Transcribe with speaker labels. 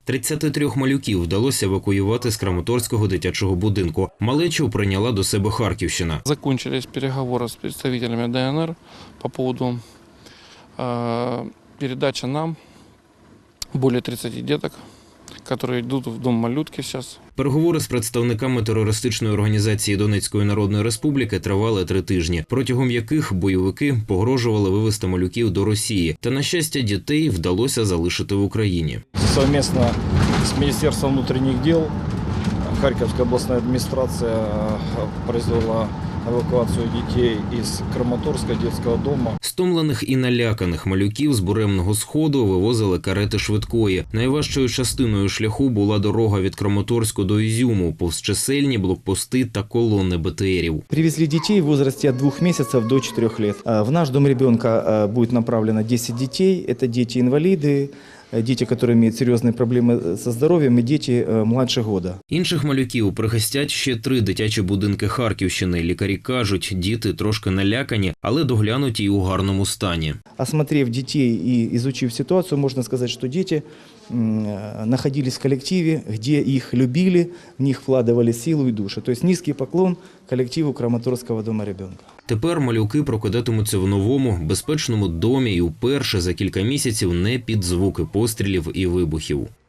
Speaker 1: 33 малюків вдалося евакуювати з Краматорського дитячого будинку. Малечу прийняла до себе Харківщина.
Speaker 2: Закончились переговоры с представителями ДНР по поводу передачи нам более 30 деток, которые идут в дом малютки сейчас.
Speaker 1: Переговори з представниками терористичної організації Донецької Народної Республіки тривали 3 тижні, протягом яких бойовики погрожували вивезти малюків до Росії. Та, на щастя, дітей вдалося залишити в Україні.
Speaker 3: Совместно с Министерством внутренних дел Харьковская областная администрация произвела евакуацію дітей із Краматорського дитячого дому.
Speaker 1: Стомлених і наляканих малюків з Буремного Сходу вивозили карети швидкої. Найважчою частиною шляху була дорога від Краматорську до Ізюму, повз чисельні блокпости та колони БТРів.
Speaker 4: Привезли детей в возрасте от 2 месяцев до 4 лет. В наш дом ребенка будет направлено 10 детей. Это дети-инвалиды, дети, которые имеют серьезные проблемы со здоровьем, и дети младше года.
Speaker 1: Інших малюків прихистять ще 3 дитячі будинки Харківщини. Лікарі кажуть, діти трошки налякані, але доглянуті і у гарному стані.
Speaker 4: Осмотрев детей и изучив ситуацию, можно сказать, что дети находились в коллективе, где их любили, в них вкладывали силу и душу. То есть низкий поклон коллективу Краматорского дома ребенка.
Speaker 1: Тепер малюки прокидатимуться в новому, безпечному домі і вперше за кілька місяців не під звуки пострілів і вибухів.